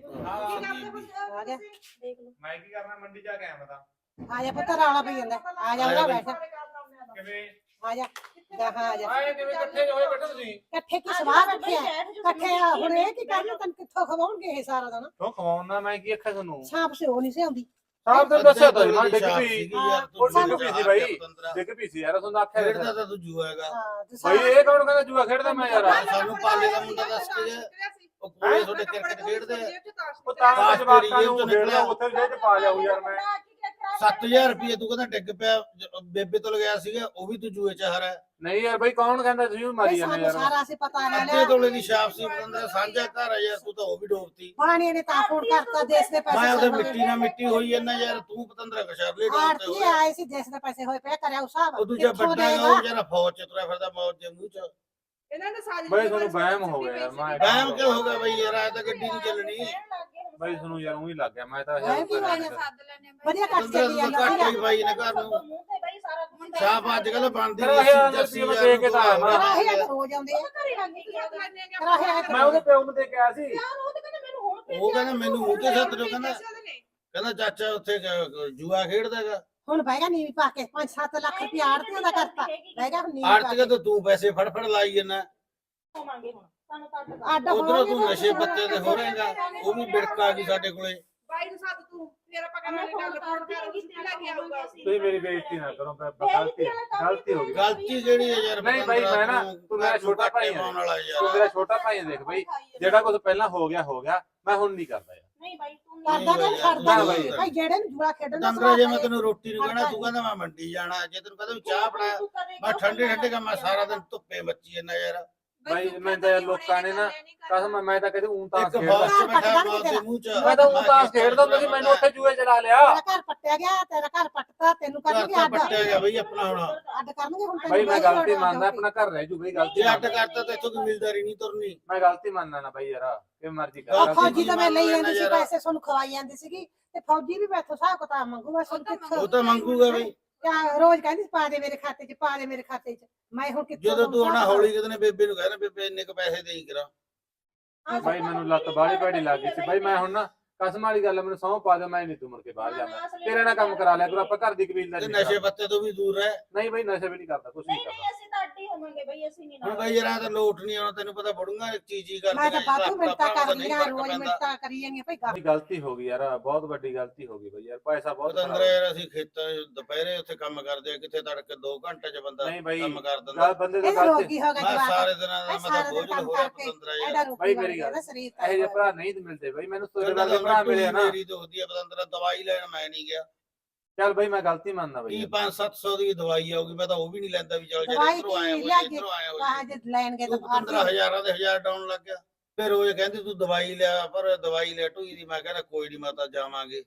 ਆ ਗਿਆ
ਦੇਖ ਲਓ
ਮੈਂ ਕੀ ਕਰਨਾ ਮੰਡੀ ਜਾ ਕੇ ਆਇਆ ਮੈਂ ਤਾਂ
ਆ ਜਾ ਪੁੱਤ ਰੌਲਾ ਪਈ ਜਾਂਦਾ ਆ ਜਾ ਉਹਦਾ ਬੈਠ
ਕਿਵੇਂ
ਆ ਜਾ ਜਾ ਹਾਂ ਆ ਜਾ
ਆਏ ਕਿਵੇਂ ਇਕੱਠੇ ਹੋਏ ਬੈਠੇ ਤੁਸੀਂ
ਇਕੱਠੇ ਕੀ ਸਵਾਹ ਬੈਠੇ ਆ ਇਕੱਠੇ ਆ ਹੁਣ ਇਹ ਕੀ ਕਰਨਾ ਤੈਨੂੰ ਕਿੱਥੋਂ ਖਵਾਉਣਗੇ ਇਹ ਸਾਰਾ ਦਿਨ
ਕਿਉਂ ਖਵਾਉਣਾ ਮੈਂ ਕੀ ਅੱਖਾਂ ਤੁਹਾਨੂੰ
ਸਾਂਪ ਸੇ ਉਹ ਨਹੀਂ ਸੀ ਆਉਂਦੀ
ਸਾਹਿਬ ਤੇ ਦੱਸਿਆ ਤਾਂ ਮੈਂ ਡਿੱਗ
ਸ਼ਾਪ
ਪਈ
ਸੀਗੀ ਯਾਰ, ਤੂੰ
ਉਹ ਡਿੱਗ
ਜੂਆ
ਪਈ ਸੀ ਬਾਈ
ਪਤੰਦਰਾ।
ਡਿੱਗ ਪਈ ਸੀ ਯਾਰ ਤੁਹਾਨੂੰ ਆਖਿਆ
ਖੇਡਦਾ
ਤਾਂ
ਤਾਂ ਤੂੰ ਜੂਆ ਹੈਗਾ।
ਹਾਂ ਤੇ
ਬਾਈ ਇਹ ਕੌਣ ਕਹਿੰਦਾ ਜੂਆ ਖੇਡਦਾ ਮੈਂ ਯਾਰ
ਸਾਨੂੰ ਪਾਲੇ ਦਾ ਮੁੰਡਾ ਦੱਸ ਕੇ ਗਿਆ। ਉਹ ਕੋਲੇ ਤੁਹਾਡੇ ਕ੍ਰਿਕਟ ਖੇਡਦੇ ਆ।
ਉਹ ਤਾਂ
ਤਾਂ
ਜਵਾਕਾਂ ਨੂੰ
ਤੇਰੀ ਜੇਬ
ਖੇਡਦਾ
ਚੋਂ
ਉੱਥੇ ਜੇ ਪਾ ਜਾਊ ਯਾਰ ਮੈਂ
ਸੱਤ ਹਜ਼ਾਰ ਰੁਪਏ ਤੂੰ ਕਹਿੰਦਾ ਡਿੱਗ ਪਿਆ ਜ- ਬੇਬੇ ਤੋਂ ਲਗਾਇਆ ਸੀਗਾ ਉਹ ਵੀ ਤੂੰ ਜੂਏ ਚ ਹਾਰਿਆ।
ਨਹੀਂ ਯਾਰ ਬਾਈ ਕੌਣ ਕਹਿੰਦਾ ਤੁਸੀਂ ਵੀ ਮਾਰੀ
ਇਹ
ਜਾਂਦੇ
ਸਾਨੂੰ
ਯਾਰ
ਸਾਰਾ ਅਸੀਂ ਪਤਾ ਲੈ
ਅੱਧੇ
ਲਿਆ
ਤੋਲੇ ਦੀ ਛਾਪ ਸੀ ਪਤੰਦਰਾ ਸਾਂਝਾ ਘਰ ਆ ਯਾਰ ਤੂੰ ਤਾਂ ਉਹ ਵੀ ਡੋਬਤੀ।
ਪਾਣੀ ਨੇ ਤਾਂ ਫੋਨ ਕਰਤਾ ਦੇਸ਼ ਦੇ ਪੈਸੇ
ਮੈਂ ਉਹਦੇ
ਸਾਨੂੰ
ਮਿੱਟੀ ਨਾਲ ਮਿੱਟੀ ਹੋਈ ਜਾਂਦਾ ਯਾਰ ਤੂੰ ਪਤੰਦਰਾ ਕਸ਼ਰਲੇ ਡੋਬਤੇ
ਆਰਤੀ
ਹੋਇਆ।
ਆਏ ਸੀ ਦੇਸ਼ ਦੇ ਪੈਸੇ ਹੋਏ ਪਿਆ ਕਰਿਆ ਉਸ ਹਿਸਾਬ
ਉਹ ਦੂਜਾ
ਕਿੱਥੋਂ
ਵੱਡਾ
ਦੇਗਾ?
ਉਹ ਜਿਹੜਾ ਫੌਜ ਚ ਤੁਰਿਆ ਫਿਰਦਾ ਮੌਜ ਦੇ ਮੂੰਹ ਚ।
ਇਹਨਾਂ ਨੇ ਸਾਜੀ
ਬਾਈ ਤੁਹਾਨੂੰ ਵਹਿਮ ਹੋ ਗਿਆ ਯਾਰ ਮੈਂ
ਵਹਿਮ ਕਿਉਂ ਹੋ ਗਿਆ ਬਈ ਯਾਰ ਆ ਤਾਂ ਗੱਡੀ ਨਹੀਂ ਚੱਲਣੀ।
ਬਾਈ ਤੁਹਾਨੂੰ ਯਾਰ ਉਹੀ ਲੱਗ ਗਿਆ ਮੈਂ ਤਾਂ
ਵਹਿਮ ਕੀ ਹੋ ਗਿਆ?
ਸੱਦ ਲੈਣੇ
ਵਧੀਆ ਕੱਟ
ਪਤੰਦਰਾ
ਚੱਲੀ
ਤੂੰ
ਜਾਂਦਾ
ਘੱਟ ਹੀ ਬਾਈ ਨੇ ਘਰ ਨੂੰ
ਮੂੰਹ ਤੇ ਬਈ ਸਾਰਾ ਕੁਝ
ਛਾਪ ਅੱਜ ਕੱਲ ਬਣਦੀ
ਤੇਰਾ ਇਹ ਜਰਸੀ ਮੈਂ ਦੇ ਕੇ ਤਾਂ ਆਇਆ ਮੈਂ।
ਕਰਾਹੇ ਆ ਰੋਜ਼ ਆਉਂਦੇ ਆ
ਘਰੇ ਲੱਗ ਗਿਆ
ਕਰਾਹੇ ਆ
ਮੈਂ ਉਹਦੇ ਪਿਓ ਨੂੰ ਦੇ ਕੇ ਆਇਆ ਸੀ
ਉਹ ਤਾਂ ਕਹਿੰਦਾ ਮੈਨੂੰ ਹੁਣ
ਉਹ ਕਹਿੰਦਾ ਮੈਨੂੰ ਮੂੰਹ ਤੇ ਸੱਤ ਦਿਓ ਕਹਿੰਦਾ ਕਹਿੰਦਾ ਚਾਚਾ ਉੱਥੇ ਕ- ਜੂਆ ਖੇਡਦਾ ਹੈਗਾ।
ਹੁਣ ਬਹਿ ਗਿਆ ਨੀਵੀਂ ਪਾ ਕੇ ਪੰਜ ਸੱਤ ਲੱਖ ਰੁਪਇਆ ਆੜਤੀਆਂ ਦਾ ਕਰਤਾ ਬਹਿ ਗਿਆ ਹੁਣ ਨੀਵੀਂ ਪਾ
ਆਰਤੀਆ ਤਾਂ ਤੂੰ ਪੈਸੇ ਫੜ ਫੜ ਲਾਈ ਜਾਂਦਾ।
ਹੋਵਾਂਗੇ ਹੁਣ ਸਾਨੂੰ ਤਾਂ ਅੱਡ
ਅੱਡ
ਉਧਰੋਂ
ਹੋਵਾਂਗੇ
ਤੂੰ
ਤਾਂ
ਨਸ਼ੇ ਪੱਤੇ ਤੇ ਹੋ ਰਹੇਗਾ ਉਹ ਵੀ ਬਿੜਕ ਆ ਗਈ ਸਾਡੇ ਕੋਲੇ।
ਬਾਈ ਨੂੰ ਸੱਦ ਤੂੰ ਫੇਰ ਆਪਾਂ
ਮੈਂ
ਕਰਾਂਗੇ
ਫੋਨ
ਗੱਲ
ਕਰ
ਫੋਨ
ਦਿਆਂਗੀ
ਕਰ ਲੈ ਕੇ ਆਊਗਾ
ਤੁਸੀਂ ਮੇਰੀ ਬੇਇੱਜ਼ਤੀ ਨਾ ਕਰੋ ਮੈਂ ਗਲਤੀ ਗਲਤੀ ਹੋ ਗਈ
ਗਲਤੀ ਕਿਹੜੀ ਹੈ ਯਾਰ
ਨਹੀਂ ਬਾਈ, ਮੈਂ ਨਾ-
ਤੂੰ-
ਤੂੰ ਮੇਰਾ
ਤੂੰ
ਛੋਟਾ ਭਾਈ
ਘਾਟੇ ਪਾਉਣ ਵਾਲਾ
ਤੂੰ
ਯਾਰ।
ਮੇਰਾ ਛੋਟਾ ਭਾਈ ਹੈ, ਦੇਖ ਬਾਈ ਜਿਹੜਾ ਕੁਝ ਪਹਿਲਾਂ ਹੋ ਗਿਆ ਹੋ ਗਿਆ ਮੈਂ ਹੁਣ ਨਹੀਂ ਕਰਦਾ ਯਾਰ
ਨਹੀਂ ਬਾਈ ਤੂੰ
ਕਰਦਾ
ਨਹੀਂ
ਕਿ
ਯਾਰ,
ਛੱਡਦਾ
ਨਾ
ਨਹੀਂ
ਬਾਈ।
ਭਾਈ ਜਿਹੜੇ ਨੂੰ ਜੂਆ ਖੇਡਣ ਦਾ
ਤੰਦਰਾ ਜੇ ਮੈਂ
ਸਵਾਦ
ਤੈਨੂੰ ਰੋਟੀ ਨੂੰ ਕਹਿਣਾ
ਕਰਦਾ
ਤੂੰ ਕਹਿੰਦਾ ਮੈਂ ਮੰਡੀ ਜਾਣਾ ਜੇ ਤੈਨੂੰ ਕਹਿੰਦਾ ਵੀ ਚਾਹ ਬਣਾ ਮੈਂ ਠੰਡੇ ਠੰਡੇ ਕੰਮ ਮੈਂ ਸਾਰਾ ਦਿਨ ਧੁੱਪੇ ਮੱਚੀ ਜਾਂਦਾ ਯਾਰ।
ਬਾਈ ਮੈਂ ਤਾਂ ਯਾਰ ਲੋਕਾਂ ਨੇ ਨਾ ਕਸਮ ਮੈਂ ਤਾਂ ਕਦੇ ਊਂ ਤਾਂ
ਇੱਕ
ਖੇਡਦਾ
ਫੌਜ ਚ ਬੈਠਾ ਮੌਤ ਦੇ ਮੂੰਹ ਚ
ਮੈਂ ਤਾਂ ਊਂ ਤਾਂ ਖੇਡਦਾ ਹੁੰਦਾ ਸੀ ਮੈਨੂੰ ਉੱਥੇ ਜੂਏ ਚੜਾ ਲਿਆ
ਤੇਰਾ ਘਰ ਪੱਟਿਆ ਗਿਆ ਤੇਰਾ ਘਰ ਪੱਟਤਾ ਤੈਨੂੰ
ਘਰ
ਕਰਨਗੇ
ਤਾਂ
ਅੱਡ
ਪੱਟਿਆ ਗਿਆ ਬਈ ਆਪਣਾ ਹੁਣ।
ਅੱਡ ਕਰਨਗੇ ਹੁਣ
ਬਾਈ ਮੈਂ
ਬਾਈ
ਗਲਤੀ
ਲੋੜ
ਮੰਨਦਾ
ਆ
ਆਪਣਾ ਘਰ ਰਹਿ ਜੂ ਬਈ ਗਲਤੀ
ਜੇ ਅੱਡ ਕਰਤਾ ਤਾਂ ਇੱਥੋਂ ਕੋਈ ਮਿਲਦਾਰੀ ਨਹੀਂ ਤੁਰਨੀ।
ਮੈਂ ਗਲਤੀ ਮੰਨਦਾ ਨਾ ਬਾਈ ਯਾਰ ਇਹ ਮਰਜ਼ੀ ਕਰ
ਉਹ
ਗਲਤੀ
ਫੌਜੀ ਤਾਂ ਮੈਂ ਲਈ
ਮੰਨ
ਜਾਂਦੀ ਸੀ
ਲੈਣਾ
ਪੈਸੇ ਤੁਹਾਨੂੰ ਖਵਾਈ ਜਾਂਦੀ ਸੀਗੀ ਤੇ ਫੌਜੀ ਵੀ ਮੈਥੋਂ ਹਿਸਾਬ ਕਿਤਾਬ ਮੰਗੂ ਮੈਂ ਤੁਹਾਨੂੰ
ਉਹ
ਕਿੱਥੋਂ
ਤਾਂ ਮੰਗੂਗਾ ਬਈ
ਕਿਆ ਰੋਜ਼ ਕਹਿੰਦੀ ਸੀ, ਪਾ ਦੇ ਮੇਰੇ ਖਾਤੇ 'ਚ ਪਾ ਦੇ ਮੇਰੇ ਖਾਤੇ 'ਚ ਮੈਂ ਹੁਣ ਕਿੱਥੋਂ
ਜਦੋਂ ਤੂੰ
ਤੁਹਾਨੂੰ
ਆਉਣਾ
ਹਿਸਾਬ
ਹੌਲੀ ਕਿਤੇ ਨੇ ਬੇਬੇ ਨੂੰ ਕਹਿਣਾ ਬੇਬੇ ਇੰਨੇ ਕ ਪੈਸੇ ਦੇਈ ਕਰਾ।
ਬਾਈ ਮੈਨੂੰ ਲੱਤ ਬਾਹਲੀ ਭੈੜੀ ਲੱਗ ਗਈ ਸੀ ਬਾਈ ਮੈਂ ਹੁਣ ਨਾ ਕਸਮ ਵਾਲੀ ਗੱਲ ਆ, ਮੈਨੂੰ ਸਹੁੰ ਪਾ ਦਿਓ ਮੈਂ ਨਹੀਂ ਤੂੰ ਮੁੜ ਕੇ ਬਾਹਰ ਜਾਣਾ ਤੇਰੇ ਨਾਲ ਕੰਮ ਕਰਾ ਲਿਆ ਕਰੋ ਆਪਾਂ ਘਰ ਦੀ ਕਬੀਲਦਾਰੀ
ਤੇ
ਨਹੀਂ
ਨਸ਼ੇ
ਕਰਦੇ।
ਪੱਤੇ ਤੋਂ ਵੀ ਦੂਰ ਰਹਿ।
ਨਹੀਂ ਬਾਈ ਨਸ਼ੇ ਵੀ ਨਹੀਂ ਕਰਦਾ ਕੁਛ ਨਹੀਂ
ਨਹੀਂ ਨਹੀਂ
ਕਰਦਾ
ਅਸੀਂ ਤਾਂ ਅੱਡ ਹੀ ਹੋਵਾਂਗੇ ਬਈ ਅਸੀਂ ਨਹੀਂ
ਹੁਣ ਬਈ ਯਾਰ ਤਾਂ ਲੋਟ ਨਹੀਂ ਆਉਣਾ ਤੈਨੂੰ ਪਤਾ ਬੜੂਗਾ ਚੀਜ਼ ਹੀ
ਮੈਂ
ਕਰਦੇ
ਤਾਂ ਬਾਤੂ ਮਿੰਟਾਂ ਕਰਨੀਆਂ ਰੋਜ਼ ਮਿੰਟਾਂ ਕਰੀ ਜਾਂਦੀਆਂ ਭਾਈ ਗੱਲ
ਬੜੀ ਗਲਤੀ ਹੋ ਗਈ ਯਾਰ ਬਹੁਤ ਵੱਡੀ ਗਲਤੀ ਹੋ ਗਈ ਬਾਈ ਯਾਰ ਪੈਸਾ ਬਹੁਤ
ਪਤੰਦਰ
ਖਰਾਬ
ਯਾਰ ਅਸੀਂ ਖੇਤਾਂ 'ਚ ਦੁਪਹਿਰੇ ਉੱਥੇ ਕੰਮ ਕਰਦੇ ਆ ਕਿੱਥੇ ਤੜਕੇ ਦੋ ਘੰਟੇ 'ਚ ਬੰਦਾ
ਨਹੀਂ ਬਾਈ
ਕੰਮ ਕਰ
ਗੱਲ
ਦਿੰਦਾ।
ਬੰਦੇ ਦਾ
ਇਹ
ਗਲਤੀ
ਰੋਗੀ ਹੋ ਗਿਆ
ਮੈਂ
ਜਵਾਕ
ਸਾਰੇ ਦਿਨਾਂ ਦਾ
ਇਹ
ਮੈਂ ਤਾਂ
ਸਾਰਾ
ਬੋਝ
ਦਿਨ
ਹੋ
ਕੰਮ
ਰਿਹਾ
ਕਰਕੇ
ਪਤੰਦਰਾ ਯਾਰ।
ਐਡਾ ਰੋਗੀ
ਬਾਈ
ਬਣ
ਮੇਰੀ
ਗਿਆ
ਗੱਲ
ਨਾ ਸਰੀਰ
ਇਹੋ ਜਿਹੇ ਭਰਾ ਨਹੀਂ ਮਿਲਦੇ ਬਾਈ ਮੈਨੂੰ ਤੁਹਾਡੇ
ਕਹਿੰਦਾ
ਵਰਗੇ ਭਰਾ ਮਿਲੇ ਆ ਨਾ
ਮੇਰੀ ਦੁਖਦੀ ਆ ਪਤੰਦਰਾ ਦਵਾਈ ਲੈਣ ਮੈਂ ਨਹੀਂ ਗਿਆ।
ਚੱਲ ਬਾਈ ਮੈਂ ਗਲਤੀ ਮੰਨਦਾ ਬਾਈ
ਕੀ
ਯਾਰ।
ਪੰਜ ਸੱਤ ਸੌ ਦੀ ਦਵਾਈ ਆਊਗੀ ਮੈਂ ਤਾਂ ਉਹ ਵੀ ਨਹੀਂ ਲੈਂਦਾ ਵੀ ਚੱਲ ਜੇ
ਦਵਾਈ
ਇੱਧਰੋਂ ਆਇਆ
ਕੀ
ਹੋ
ਲਿਆ
ਜੇ ਇੱਧਰੋਂ ਆਇਆ ਹੋ
ਵਾਹ
ਜੇ
ਜੇ ਲੈਣ ਗਏ ਤਾਂ ਬਾਹਰ
ਪੰਦਰਾਂ ਹਜ਼ਾਰਾਂ ਦੇ ਹਜ਼ਾਰ ਡਾਉਣ ਲੱਗ ਗਿਆ। ਫਿਰ ਉਹ ਕਹਿੰਦੀ ਤੂੰ ਦਵਾਈ ਲਿਆ ਪਰ ਦਵਾਈ ਲੈ ਢੂਈ ਦੀ ਮੈਂ ਕਹਿੰਦਾ ਕੋਈ ਨਹੀਂ ਮਾਤਾ ਜਾਵਾਂਗੇ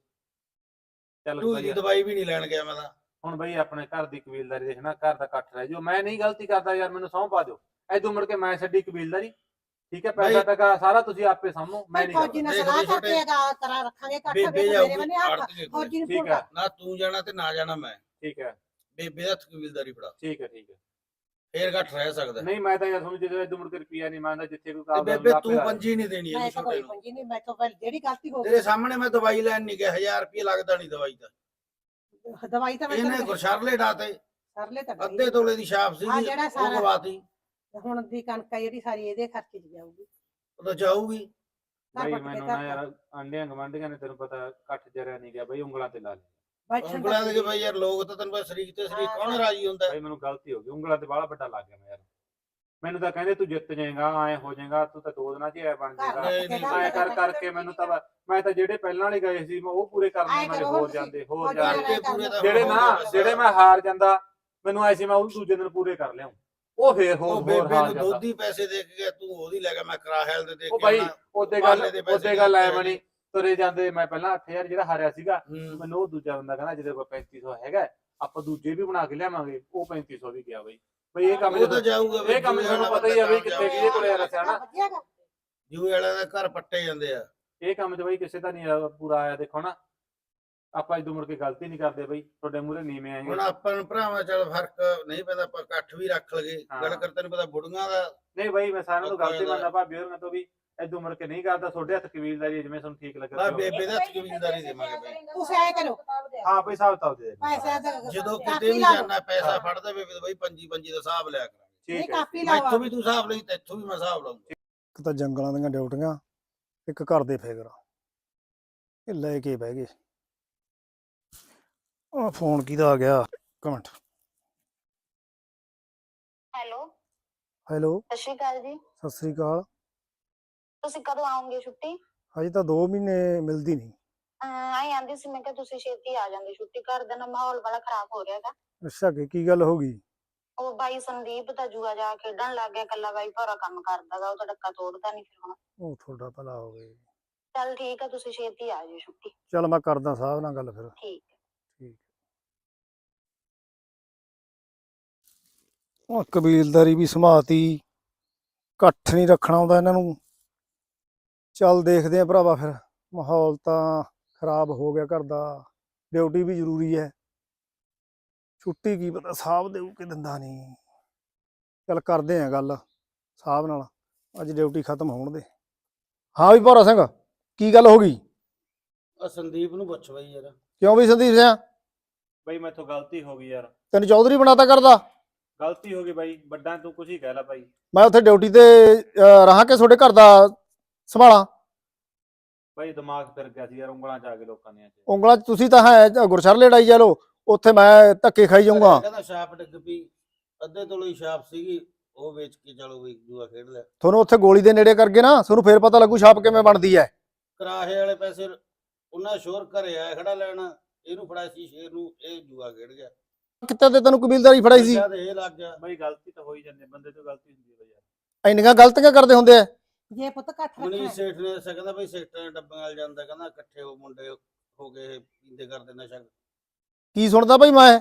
ਚੱਲ
ਢੂਈ
ਬਾਈ
ਦੀ ਦਵਾਈ ਵੀ ਨਹੀਂ ਲੈਣ ਗਿਆ ਮੈਂ ਤਾਂ।
ਹੁਣ ਬਈ ਆਪਣੇ ਘਰ ਦੀ ਕਬੀਲਦਾਰੀ ਦੇਖਣਾ ਘਰ ਦਾ ਇਕੱਠ ਰਹਿ ਜਾਓ ਮੈਂ ਨਹੀਂ ਗਲਤੀ ਕਰਦਾ ਯਾਰ ਮੈਨੂੰ ਸਹੁੰ ਪਾ ਦਿਓ ਐਦੋਂ ਮੁੜ ਕੇ ਮੈਂ ਛੱਡੀ ਕਬੀਲਦਾਰੀ ਠੀਕ ਹੈ ਪੈਸਾ
ਬਾਈ-
ਟਕਾ ਸਾਰਾ ਤੁਸੀਂ ਆਪੇ ਸਾਂਭੋ ਮੈਂ ਨਹੀਂ
ਫੌਜੀ ਨਾਲ
ਦੇਖ
ਸਲਾਹ
ਲਈ ਛੋਟੇ-
ਕਰਕੇ ਗਾ ਕਰਾ ਰੱਖਾਂਗੇ ਇਕੱਠ
ਬੇਬੇ
ਮੇਰੇ
ਜਾਊਗੀ
ਬੰਨੇ ਹੱਥ
ਆੜਤੀਏ ਕੋਲ।
ਫੌਜੀ ਨੂੰ
ਠੀਕ
ਫੋਨ
ਹੈ
ਕਰ
ਨਾ ਤੂੰ ਜਾਣਾ ਤੇ ਨਾ ਜਾਣਾ ਮੈਂ।
ਠੀਕ ਹੈ
ਬੇਬੇ ਦਾ ਕਬੀਲਦਾਰੀ ਫੜਾ,
ਠੀਕ ਹੈ ਠੀਕ ਹੈ।
ਫੇਰ ਘੱਟ ਰਹਿ ਸਕਦਾ।
ਨਹੀਂ ਮੈਂ ਤਾਂ ਯਾਰ ਤੁਹਾਨੂੰ ਜਦੋਂ ਇਦੋਂ ਮੁੜ ਕੇ ਰੁਪਿਆ ਨਹੀਂ ਮੰਗਦਾ, ਜਿੱਥੇ ਕੋਈ
ਤੇ
ਕਾਬਲ
ਬੇਬੇ ਤੂੰ ਪੰਜੀ ਨਹੀਂ ਦੇਣੀ
ਮੈਂ
ਇਹਨੂੰ
ਤਾਂ
ਛੋਟੇ
ਕੋਈ
ਨੂੰ।
ਪੰਜੀ ਨਹੀਂ, ਮੈਂ ਤਾਂ ਪਹਿਲੇ ਜਿਹੜੀ ਗਲਤੀ ਹੋ
ਤੇਰੇ ਸਾਹਮਣੇ ਮੈਂ ਦਵਾਈ ਲੈਣ ਨਹੀਂ ਗਿਆ, ਹਜ਼ਾਰ ਰੁਪਏ ਲੱਗਦਾ ਨਹੀਂ ਦਵਾਈ ਦਾ।
ਗਈ ਦਵਾਈ ਤਾਂ ਮੈਂ
ਇਹਨੇ
ਤੈਨੂੰ
ਗੁਰਸ਼ਰਲੇ ਡਾਤੇ,
ਸਰਲੇ ਤਾਂ
ਅੱਧੇ ਤੋਲੇ ਦੀ ਛਾਪ
ਹਾਂ,
ਸੀਗੀ
ਜਿਹੜਾ
ਉਹ
ਸਾਰਾ-
ਗਵਾਤੀ।
ਹੁਣ ਦੀ ਕਣਕ ਆ ਜਿਹੜੀ ਸਾਰੀ ਇਹਦੇ ਖਰਚੇ 'ਚ ਜਾਊਗੀ।
ਉਹ ਤਾਂ ਜਾਊਗੀ।
ਘਰ
ਬਈ
ਪੱਟ ਕੇ
ਮੈਨੂੰ
ਘਰ
ਨਾ ਯਾਰ ਆਂਡਿਆਂ ਗਵਾਂਢੀਆਂ ਨੇ ਤੈਨੂੰ ਪਤਾ ਕੱਠ ਜਰਿਆ ਨਹੀਂ ਗਿਆ ਬਈ, ਉਂਗਲਾਂ ਤੇ ਲਾ ਲਿਆ।
ਬੈਠਣ
ਉਂਗਲਾਂ ਦੇ
ਦਾ
ਬਈ ਯਾਰ ਲੋਕ ਤਾਂ ਤੈਨੂੰ ਪਤਾ ਸ਼ਰੀਕ ਤੇ ਸ਼ਰੀਕ
ਹਾਂ,
ਕੌਣ ਰਾਜੀ ਹੁੰਦਾ।
ਬਈ ਮੈਨੂੰ ਗਲਤੀ ਹੋ ਗਈ, ਉਂਗਲਾਂ ਤੇ ਬਾਹਲਾ ਵੱਡਾ ਲੱਗ ਗਿਆ ਮੈਂ ਯਾਰ। ਮੈਨੂੰ ਤਾਂ ਕਹਿੰਦੇ ਤੂੰ ਜਿੱਤ ਜਾਏਗਾ, ਐ ਹੋ ਜਾਏਗਾ, ਤੂੰ ਤਾਂ ਦੋ ਦਿਨਾਂ 'ਚ ਐ ਬਣ
ਘਰ
ਜਾਏਗਾ।
ਨਹੀਂ, ਨਹੀਂ,
ਐ ਕਰ ਕਰਕੇ ਮੈਨੂੰ ਤਾਂ ਮੈਂ ਤਾਂ ਜਿਹੜੇ ਪਹਿਲਾਂ ਵਾਲੇ ਗਏ ਸੀ ਮੈਂ ਉਹ ਪੂਰੇ ਕਰਨੇ,
ਐਂ
ਮੈਂ
ਕਰੋ
ਹੋਰ
ਹੁਣ
ਜਾਂਦੇ ਹੋਰ
ਤੁਸੀਂ
ਜਾਂਦੇ।
ਕਰਕੇ ਪੂਰੇ ਤਾਂ
ਜਿਹੜੇ
ਹੋ
ਨਾ
ਗਏ
ਜਿਹੜੇ ਮੈਂ ਹਾਰ ਜਾਂਦਾ ਮੈਨੂੰ ਐ ਸੀ ਮੈਂ ਉਹ ਦੂਜੇ ਦਿਨ ਪੂਰੇ ਕਰ ਲਿਆਉਂ, ਉਹ ਫੇਰ ਹੋਰ
ਉਹ
ਹੋਰ
ਬੇਬੇ
ਹਾਰ
ਨੂੰ
ਜਾਂਦਾ।
ਦੁੱਧ ਹੀ ਪੈਸੇ ਦੇ ਕੇ ਗਿਆ, ਤੂੰ ਉਹਦੀ ਲੈ ਗਿਆ, ਮੈਂ ਕਰਾ ਹੈਲ ਦੇ ਦੇ
ਉਹ
ਕੇ
ਬਾਈ
ਆਉਣਾ।
ਉਹਦੇ ਗੱਲ
ਬਾਲੇ ਦੇ ਪੈਸੇ
ਉਹਦੇ ਗੱਲ ਐ
ਦਿੱਤੇ
ਬਣੀ, ਤੁਰੇ ਜਾਂਦੇ ਮੈਂ ਪਹਿਲਾਂ ਅੱਠ ਹਜ਼ਾਰ ਜਿਹੜਾ ਹਾਰਿਆ ਸੀਗਾ,
ਹੂੰ।
ਮੈਨੂੰ ਉਹ ਦੂਜਾ ਬੰਦਾ ਕਹਿੰਦਾ ਜਿਹਦੇ ਕੋਲ ਪੈਂਤੀ ਸੌ ਹੈਗਾ ਆਪਾਂ ਦੂਜੇ ਵੀ ਬਣਾ ਕੇ ਲਿਆਵਾਂਗੇ, ਉਹ ਪੈਂਤੀ ਸੌ ਵੀ ਗਿਆ ਬਈ। ਬਈ ਇਹ ਕੰਮ
ਉਹ ਤਾਂ ਜਾਊਗਾ ਬਈ,
ਇਹ ਕੰਮ ਤੁਹਾਨੂੰ ਪਤਾ ਹੀ ਆ ਬਈ ਕਿੱਥੇ ਕਿਹਦੇ ਕੋਲੇ ਯਾਰ ਸਿਆਣਾ।
ਵਧੀਆ ਗਾ।
ਜੂਏ ਵਾਲਿਆਂ ਦਾ ਘਰ ਪੱਟੇ ਜਾਂਦੇ ਆ।
ਇਹ ਕੰਮ 'ਚ ਬਈ ਕਿਸੇ ਦਾ ਨਹੀਂ ਪੂਰਾ ਆਇਆ। ਦੇਖੋ ਨਾ ਆਪਾਂ ਇਦੋਂ ਮੁੜ ਕੇ ਗਲਤੀ ਨਹੀਂ ਕਰਦੇ ਬਈ, ਤੁਹਾਡੇ ਮੂਹਰੇ ਨੀਵੇਂ ਆਏ।
ਹੁਣ ਆਪਾਂ ਨੂੰ ਭਰਾਵਾਂ ਚੱਲ ਫਰਕ ਨਹੀਂ ਪੈਂਦਾ, ਆਪਾਂ ਇਕੱਠ ਵੀ ਰੱਖ ਲਗੇ।
ਹਾਂ।
ਗੱਲ ਕਰ ਤੈਨੂੰ ਪਤਾ ਬੁੜੀਆਂ ਦਾ
ਨਹੀਂ ਬਈ ਮੈਂ ਸਾਰਿਆਂ ਨੂੰ
ਪੱਕਾ
ਗਲਤੀ
ਇਹਦਾ।
ਮੰਨਦਾ ਭਾਬੀ ਹੋਰਾਂ ਤੋਂ ਵੀ, ਇਦੋਂ ਮੁੜ ਕੇ ਨਹੀਂ ਕਰਦਾ। ਤੁਹਾਡੇ ਹੱਥ ਕਬੀਲਦਾਰੀ ਜਿਵੇਂ ਤੁਹਾਨੂੰ ਠੀਕ ਲੱਗੇ।
ਬਾ ਬੇਬੇ ਦਾ ਕਬੀਲਦਾਰੀ ਦੇਵਾਂਗੇ ਬਈ।
ਤੁਸੀਂ ਐਂ ਕਰੋ।
ਹਾਂ ਬਈ ਹਿਸਾਬ ਕਿਤਾਬ ਦੇ ਦੇ।
ਪੈਸੇ ਦਾ
ਜਦੋਂ
ਕਾਪੀ
ਕਿਤੇ ਵੀ
ਲਾ ਲਓ।
ਜਾਣਾ ਪੈਸਾ ਫੜਦਾ ਬੇਬੇ ਬਈ ਪੰਜੀ ਪੰਜੀ ਦਾ ਹਿਸਾਬ ਲਿਆ ਕਰਾਂਗੇ।
ਨਹੀਂ
ਠੀਕ ਹੈ
ਕਾਪੀ
ਮੈਂ
ਲਾਵਾ
ਇੱਥੋਂ ਵੀ ਤੂੰ ਹਿਸਾਬ ਲਈ ਤੇ ਇੱਥੋਂ ਵੀ ਮੈਂ ਹਿਸਾਬ ਲਾਉਂਗਾ।
ਇੱਕ ਤਾਂ ਜੰਗਲਾਂ ਦੀਆਂ ਡਿਊਟੀਆਂ, ਇੱਕ ਘਰ ਦੇ ਫਿਕਰ, ਇਹ ਲੈ ਕੇ ਬਹਿ ਗਏ। ਆ ਫੋਨ ਕਿਹਦਾ ਆ ਗਿਆ, ਇੱਕ ਮਿੰਟ।
ਹੈਲੋ,
ਹੈਲੋ,
ਸਤਿ ਸ਼੍ਰੀ ਅਕਾਲ ਜੀ।
ਸਤਿ ਸ੍ਰੀ ਅਕਾਲ।
ਤੁਸੀਂ ਕਦੋਂ ਆਓਗੇ ਛੁੱਟੀ?
ਹਜੇ ਤਾਂ ਦੋ ਮਹੀਨੇ ਮਿਲਦੀ ਨਹੀਂ।
ਆਈ ਆਂਦੀ ਸੀ, ਮੈਂ ਕਿਹਾ ਤੁਸੀਂ ਛੇਤੀ ਆ ਜਾਂਦੇ ਛੁੱਟੀ। ਘਰ ਦਾ ਨਾ ਮਾਹੌਲ ਬੜਾ ਖਰਾਬ ਹੋ ਰਿਹਾ ਹੈਗਾ।
ਅੱਛਾ ਕਿ ਕੀ ਗੱਲ ਹੋ ਗਈ?
ਉਹ ਬਾਈ ਸੰਦੀਪ ਤਾਂ ਜੂਆ ਜਾ ਖੇਡਣ ਲੱਗ ਗਿਆ, ਕੱਲਾ ਬਾਈ ਭੌਰਾ ਕੰਮ ਕਰਦਾ ਗਾ, ਉਹ ਤਾਂ ਡੱਕਾ ਤੋੜਦਾ ਨਹੀਂ ਫਿਰ ਹੁਣ।
ਉਹ ਤੁਹਾਡਾ ਭਲਾ ਹੋਵੇ।
ਚੱਲ ਠੀਕ ਆ, ਤੁਸੀਂ ਛੇਤੀ ਆ ਜਾਓ ਛੁੱਟੀ।
ਚੱਲ ਮੈਂ ਕਰਦਾ ਸਾਹਿਬ ਨਾਲ ਗੱਲ ਫਿਰ।
ਠੀਕ ਹੈ।
ਠੀਕ। ਉਹ ਕਬੀਲਦਾਰੀ ਵੀ ਸਮਾਤੀ, ਇਕੱਠ ਨਹੀਂ ਰੱਖਣਾ ਆਉਂਦਾ ਇਹਨਾਂ ਨੂੰ। ਚੱਲ ਦੇਖਦੇ ਆ ਭਰਾਵਾ, ਫਿਰ ਮਾਹੌਲ ਤਾਂ ਖਰਾਬ ਹੋ ਗਿਆ ਘਰ ਦਾ, ਡਿਊਟੀ ਵੀ ਜ਼ਰੂਰੀ ਹੈ। ਛੁੱਟੀ ਕੀ ਪਤਾ ਸਾਹਿਬ ਦੇਊ ਕਿ ਦਿੰਦਾ ਨਹੀਂ। ਚੱਲ ਕਰਦੇ ਆ ਗੱਲ ਸਾਹਿਬ ਨਾਲ, ਅੱਜ ਡਿਊਟੀ ਖਤਮ ਹੋਣ ਦੇ। ਹਾਂ ਵੀ ਭੌਰਾ ਸਿੰਘ, ਕੀ ਗੱਲ ਹੋ ਗਈ?
ਆ ਸੰਦੀਪ ਨੂੰ ਪੁੱਛ ਬਈ ਯਾਰ।
ਕਿਉਂ ਵੀ ਸੰਦੀਪ ਸਿੰਘ,
ਬਈ ਮੈਥੋਂ ਗਲਤੀ ਹੋ ਗਈ ਯਾਰ,
ਤੈਨੂੰ ਚੌਧਰੀ ਬਣਾਤਾ ਕਰਦਾ?
ਗਲਤੀ ਹੋ ਗਈ ਬਾਈ, ਵੱਡਾ ਤੂੰ ਕੁਛ ਹੀ ਕਹਿ ਲੈ ਬਾਈ।
ਮੈਂ ਉੱਥੇ ਡਿਊਟੀ ਤੇ ਅਹ, ਰਹਾਂ ਕਿ ਤੁਹਾਡੇ ਘਰ ਦਾ ਸੰਭਾਲਾਂ?
ਬਾਈ ਦਿਮਾਗ ਫਿਰ ਗਿਆ ਸੀ ਯਾਰ, ਉਂਗਲਾਂ ਚ ਆ ਗਏ ਲੋਕਾਂ ਦੀਆਂ ਚ।
ਉਂਗਲਾਂ 'ਚ ਤੁਸੀਂ ਤਾਂ ਹੈ ਗੁਰਸ਼ਰਲੇ ਲੜਾਈ ਜਾ ਲੋ, ਉੱਥੇ ਮੈਂ ਧੱਕੇ ਖਾਈ ਜਾਊਂਗਾ।
ਕਹਿੰਦਾ ਛਾਪ ਡਿੱਗ ਪਈ, ਅੱਧੇ ਤੋਲੇ ਦੀ ਛਾਪ ਸੀਗੀ, ਉਹ ਵੇਚ ਕੇ ਚਲੋ ਬਈ ਜੂਆ ਖੇਡ ਲਿਆ।
ਤੁਹਾਨੂੰ ਉੱਥੇ ਗੋਲੀ ਦੇ ਨੇੜੇ ਕਰ ਗਏ ਨਾ, ਤੁਹਾਨੂੰ ਫੇਰ ਪਤਾ ਲੱਗੂ ਛਾਪ ਕਿਵੇਂ ਬਣਦੀ ਹੈ।
ਕਰਾਹੇ ਵਾਲੇ ਪੈਸੇ ਉਹਨਾਂ ਸ਼ੋਰ ਘਰੇ ਆਇਆ ਖੜਾ ਲੈਣਾ, ਇਹਨੂੰ ਫੜਾਇਆ ਸੀ ਸ਼ੇਰ ਨੂੰ, ਇਹ ਜੂਆ ਖੇਡ ਗਿਆ।
ਕਿੱਥੇ ਤੇ ਤੈਨੂੰ ਕਬੀਲਦਾਰੀ ਫੜਾਈ ਸੀ?
ਜਦ ਇਹ ਲੱਗ ਗਿਆ
ਬਾਈ ਗਲਤੀ ਤਾਂ ਹੋ ਹੀ ਜਾਂਦੀ, ਬੰਦੇ ਤੋਂ ਗਲਤੀ ਹੁੰਦੀ ਹੈ ਬਾਈ ਯਾਰ।
ਇੰਨੀਆਂ ਗਲਤੀਆਂ ਕਰਦੇ ਹੁੰਦੇ ਆ?
ਜੇ ਪੁੱਤ ਇਕੱਠ
ਮਨੀ
ਰੱਖਣਾ
ਸੇਠ ਨੇ ਦੱਸਿਆ, ਕਹਿੰਦਾ ਬਈ ਸੇਠਾਂ ਦੇ ਡੱਬਿਆਂ ਨਾਲ ਜਾਂਦਾ, ਕਹਿੰਦਾ ਇਕੱਠੇ ਹੋ ਮੁੰਡੇ ਹੋ ਗਏ ਪੀਂਦੇ ਕਰਦੇ ਨਸ਼ਾ।
ਕੀ ਸੁਣਦਾ ਭਾਈ ਮੈਂ?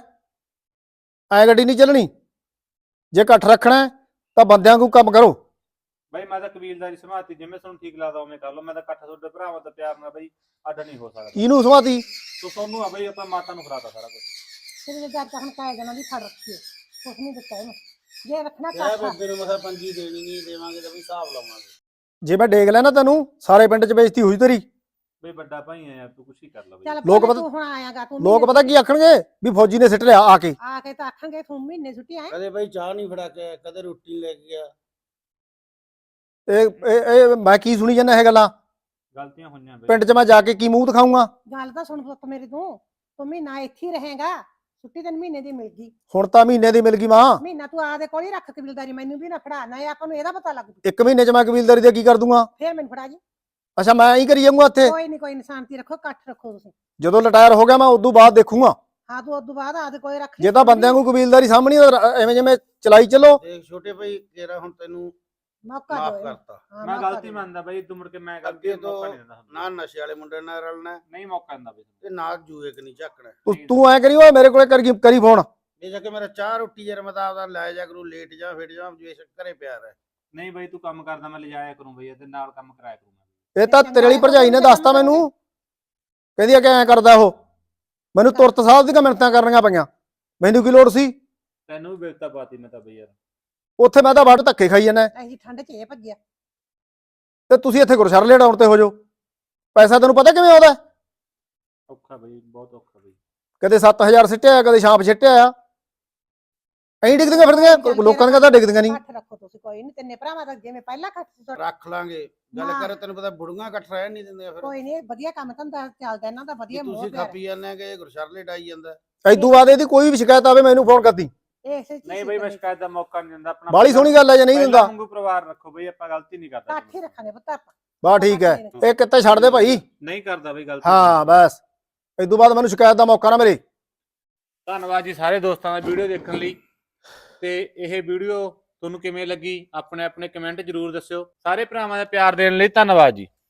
ਐ ਗੱਡੀ ਨਹੀਂ ਚੱਲਣੀ। ਜੇ ਇਕੱਠ ਰੱਖਣਾ ਤਾਂ ਬੰਦਿਆਂ ਨੂੰ ਕੰਮ ਕਰੋ।
ਬਾਈ ਮੈਂ ਤਾਂ ਕਬੀਲਦਾਰੀ ਸਮਾਤੀ, ਜਿਵੇਂ ਤੁਹਾਨੂੰ ਠੀਕ ਲੱਗਦਾ ਉਵੇਂ ਕਰ ਲਓ। ਮੈਂ ਤਾਂ ਇਕੱਠ ਤੁਹਾਡੇ ਭਰਾਵਾਂ ਦਾ ਪਿਆਰ ਨਾਲ ਬਾਈ ਅੱਡ ਨਹੀਂ ਹੋ ਸਕਦਾ।
ਇਹਨੂੰ ਸਮਾਤੀ
ਤੂੰ ਤੁਹਾਨੂੰ ਆ ਬਾਈ, ਆਪਾਂ ਮਾਤਾ ਨੂੰ ਫੜਾਤਾ ਸਾਰਾ ਕੁਝ।
ਤੇਰੇ ਘਰ ਤਾਂ ਹੁਣ ਕਾਇ ਜਨਾਂ ਦੀ ਫੜ ਰੱਖੀ ਹੈ, ਕੁਛ ਨਹੀਂ ਦਿੱਤਾ ਇਹਨੂੰ। ਜੇ ਰੱਖਣਾ
ਕਿਹਾ
ਇਕੱਠ
ਬੇਬੇ ਨੂੰ ਮਸਾ ਪੰਜੀ ਦੇਣੀ ਨਹੀਂ, ਦੇਵਾਂਗੇ ਤਾਂ ਵੀ ਹਿਸਾਬ ਲਾਵਾਂਗੇ।
ਜੇ ਮੈਂ ਡੇਗ ਲੈਣਾ ਤੈਨੂੰ, ਸਾਰੇ ਪਿੰਡ 'ਚ ਬੇਇੱਜ਼ਤੀ ਹੋਈ ਤੇਰੀ।
ਬਈ ਵੱਡਾ ਭਾਈ ਆ ਯਾਰ, ਤੂੰ ਕੁਛ ਹੀ ਕਰ ਲੈ ਬਾਈ।
ਚੱਲ
ਲੋਕ
ਪਹਿਲਾਂ
ਪਤਾ-
ਤੂੰ ਹੁਣ ਆਇਆਗਾ, ਤੂੰ
ਲੋਕ
ਮਹੀਨੇ
ਪਤਾ ਕੀ ਆਖਣਗੇ ਵੀ ਫੌਜੀ ਨੇ ਸਿੱਟ ਲਿਆ ਆ ਕੇ।
ਆ ਕੇ ਤਾਂ ਆਖਾਂਗੇ ਤੂੰ ਮਹੀਨੇ ਛੁੱਟੀ ਆਏ।
ਕਦੇ ਬਈ ਚਾਹ ਨਹੀਂ ਫੜਾ ਕੇ ਆਇਆ, ਕਦੇ ਰੋਟੀ ਲੈ ਕੇ ਗਿਆ।
ਇਹ ਇਹ ਇਹ ਮੈਂ ਕੀ ਸੁਣੀ ਜਾਂਦਾ ਇਹ ਗੱਲਾਂ?
ਗਲਤੀਆਂ ਹੋਈਆਂ ਬਾਈ।
ਪਿੰਡ 'ਚ ਮੈਂ ਜਾ ਕੇ ਕੀ ਮੂੰਹ ਦਿਖਾਊਂਗਾ?
ਗੱਲ ਤਾਂ ਸੁਣ ਪੁੱਤ ਮੇਰੀ, ਤੂੰ ਤੂੰ ਮਹੀਨਾ ਇੱਥੇ ਹੀ ਰਹੇਗਾ, ਛੁੱਟੀ ਤੈਨੂੰ ਮਹੀਨੇ ਦੀ ਮਿਲ ਗਈ।
ਹੁਣ ਤਾਂ ਮਹੀਨੇ ਦੀ ਮਿਲ ਗਈ ਮਾਂ।
ਮਹੀਨਾ ਤੂੰ ਆਦੇ ਕੋਲ ਹੀ ਰੱਖ ਕਬੀਲਦਾਰੀ, ਮੈਨੂੰ ਵੀ ਨਾ ਫੜਾ, ਨਾ ਆਪਾਂ ਨੂੰ ਇਹਦਾ ਪਤਾ ਲੱਗ ਜੂ।
ਇੱਕ ਮਹੀਨੇ 'ਚ ਮੈਂ ਕਬੀਲਦਾਰੀ ਦੇ ਕੀ ਕਰ ਦੂੰਗਾ?
ਫੇਰ ਮੈਨੂੰ ਫੜਾ ਜੀ।
ਅੱਛਾ ਮੈਂ ਐਂ ਕਰੀ ਜਾਊਂਗਾ ਇੱਥੇ?
ਕੋਈ ਨਹੀਂ ਕੋਈ ਨੀ, ਸ਼ਾਂਤੀ ਰੱਖੋ, ਇਕੱਠ ਰੱਖੋ ਤੁਸੀਂ।
ਜਦੋਂ ਰਿਟਾਇਰ ਹੋ ਗਿਆ ਮੈਂ ਉਦੋਂ ਬਾਅਦ ਦੇਖੂੰਗਾ।
ਹਾਂ ਤੂੰ ਉਦੋਂ ਬਾਅਦ ਆਦੇ ਕੋਲ ਰੱਖ ਲਈ।
ਜੇ ਤਾਂ ਬੰਦਿਆਂ ਨੂੰ ਕਬੀਲਦਾਰੀ ਸਾਹਮਣੀ ਐਵੇਂ ਜਿਵੇਂ ਚਲਾਈ ਚੱਲੋ।
ਦੇਖ ਛੋਟੇ ਭਾਈ, ਤੇਰਾ ਹੁਣ ਤੈਨੂੰ
ਮੌਕਾ
ਮਾਫ
ਦਿਓ ਇਹਨੂੰ।
ਕਰਤਾ।
ਹਾਂ,
ਮੈਂ
ਮੌਕਾ
ਗਲਤੀ
ਦਿਓ।
ਮੰਨਦਾ ਬਾਈ, ਤੂੰ ਮੁੜ ਕੇ ਮੈਂ ਗਲਤੀ
ਅੱਗੇ
ਨੂੰ ਮੌਕਾ
ਤੋਂ
ਨਹੀਂ ਦਿੰਦਾ ਹੁੰਦਾ।
ਨਾ ਨਸ਼ੇ ਵਾਲੇ ਮੁੰਡੇ ਨਾਲ ਰਲਣਾ,
ਨਹੀਂ ਮੌਕਾ ਦਿੰਦਾ ਬਾਈ।
ਤੇ ਨਾ ਜੂਏ ਕਿ ਨਹੀਂ ਝਾਕਣਾ।
ਤੂੰ ਤੂੰ ਐਂ ਕਰੀ ਓਏ ਮੇਰੇ ਕੋਲੇ ਕਰੀ ਕਰੀ ਫੋਨ।
ਇਹ ਜਾ ਕੇ ਮੇਰਾ ਚਾਹ ਰੋਟੀ ਯਾਰ ਮੈਂ ਤਾਂ ਆਪਦਾ ਲੈ ਜਾ ਕਰੂ, ਲੇਟ ਜਾ ਫਿਰ ਜਾ, ਜੇ ਘਰੇ ਪਿਆਰ ਹੈ।
ਨਹੀਂ ਬਾਈ ਤੂੰ ਕੰਮ ਕਰਦਾ, ਮੈਂ ਲਿਜਾਇਆ ਕਰੂੰ ਬਾਈ, ਤੇ ਨਾਲ ਕੰਮ ਕਰਾਇਆ ਕਰੂੰ ਮੈਂ।
ਇਹ ਤਾਂ ਤੇਰੇ ਵਾਲੀ ਭਰਜਾਈ ਨੇ ਦੱਸਤਾ ਮੈਨੂੰ, ਕਹਿੰਦੀ ਆ ਕਿ ਐਂ ਕਰਦਾ ਉਹ। ਮੈਨੂੰ ਤੁਰਤ ਸਾਹਿਬ ਦੀਆਂ ਮਿੰਨਤਾਂ ਕਰਨੀਆਂ ਪਈਆਂ ਮੈਨੂੰ ਕੀ ਲੋੜ ਸੀ?
ਤੈਨੂੰ ਵੀ ਬੇਇੱਜ਼ਤਾ ਪਾਤੀ ਮੈਂ ਤਾਂ ਬਈ ਯਾਰ।
ਉੱਥੇ ਮੈਂ ਤਾਂ ਵੱਢ ਧੱਕੇ ਖਾਈ ਜਾਂਦਾ
ਐਸੀ ਠੰਡ 'ਚ ਇਹ ਭੱਜਿਆ।
ਤੇ ਤੁਸੀਂ ਇੱਥੇ ਗੁਰਸ਼ਰਲੇ ਡਾਉਣ ਤੇ ਹੋ ਜਾਓ। ਪੈਸਾ ਤੈਨੂੰ ਪਤਾ ਕਿਵੇਂ ਆਉਂਦਾ?
ਔਖਾ ਬਈ, ਬਹੁਤ ਔਖਾ ਬਈ।
ਕਦੇ ਸੱਤ ਹਜ਼ਾਰ ਸਿੱਟਿਆ, ਕਦੇ ਛਾਪ ਸਿੱਟਿਆ ਆ। ਐਂ ਡਿੱਗਦੀਆਂ ਫਿਰਦੀਆਂ, ਲੋਕਾਂ ਦੀਆਂ ਤਾਂ ਡਿੱਗਦੀਆਂ ਨਹੀਂ।
ਇਕੱਠ ਰੱਖੋ ਤੁਸੀਂ, ਕੋਈ ਨਹੀਂ, ਤਿੰਨੇ ਭਰਾਵਾਂ ਦਾ ਜਿਵੇਂ ਪਹਿਲਾਂ ਇਕੱਠ ਸੀ ਤੁਹਾਡਾ।
ਰੱਖ ਲਾਂਗੇ ਗੱਲ
ਹਾਂ।
ਕਰ, ਤੈਨੂੰ ਪਤਾ ਬੁੜੀਆਂ ਇਕੱਠ ਰਹਿਣ ਨਹੀਂ ਦਿੰਦੀਆਂ ਫਿਰ।
ਕੋਈ ਨਹੀਂ, ਵਧੀਆ ਕੰਮ ਧੰਦਾ ਚੱਲਦਾ ਇਹਨਾਂ ਦਾ, ਵਧੀਆ ਮੋਹ
ਤੁਸੀਂ
ਪਿਆਰ।
ਖੱਪੀ ਜਾਂਦੇ ਕਿ ਗੁਰਸ਼ਰਲੇ ਡਾਈ ਜਾਂਦਾ।
ਐਦੂ ਬਾਅਦ ਇਹਦੀ ਕੋਈ ਵੀ ਸ਼ਿਕਾਇਤ ਆਵੇ ਮੈਨੂੰ ਫੋਨ ਕਰਦੀ।
ਇਸੇ ਚ
ਨਹੀਂ ਬਈ ਮੈਂ ਸ਼ਿਕਾਇਤ ਦਾ ਮੌਕਾ ਨਹੀਂ ਦਿੰਦਾ ਆਪਣਾ।
ਬਾਹਲੀ ਸੋਹਣੀ ਗੱਲ ਹੈ ਜੇ ਨਹੀਂ
ਪਹਿਲਾਂ
ਦਿੰਦਾ।
ਵਾਂਗੂ ਪਰਿਵਾਰ ਰੱਖੋ ਬਈ, ਆਪਾਂ ਗਲਤੀ ਨਹੀਂ ਕਰਦੇ।
ਇਕੱਠ ਹੀ ਰੱਖਾਂਗੇ ਪੁੱਤ ਆਪਾਂ।
ਬਾ ਠੀਕ ਹੈ, ਇਹ ਕਿੱਤੇ ਛੱਡ ਦੇ ਭਾਈ।
ਨਹੀਂ ਕਰਦਾ ਬਈ ਗਲਤੀ।
ਹਾਂ ਬਸ, ਐਦੂ ਬਾਅਦ ਮੈਨੂੰ ਸ਼ਿਕਾਇਤ ਦਾ ਮੌਕਾ ਨਾ ਮਿਲੇ।
ਧੰਨਵਾਦ ਜੀ ਸਾਰੇ ਦੋਸਤਾਂ ਦਾ ਵੀਡੀਓ ਦੇਖਣ ਲਈ। ਤੇ ਇਹ ਵੀਡੀਓ ਤੁਹਾਨੂੰ ਕਿਵੇਂ ਲੱਗੀ ਆਪਣੇ ਆਪਣੇ ਕਮੈਂਟ ਜ਼ਰੂਰ ਦੱਸਿਓ। ਸਾਰੇ ਭਰਾਵਾਂ ਦਾ ਪਿਆਰ ਦੇਣ ਲਈ ਧੰਨਵਾਦ ਜੀ।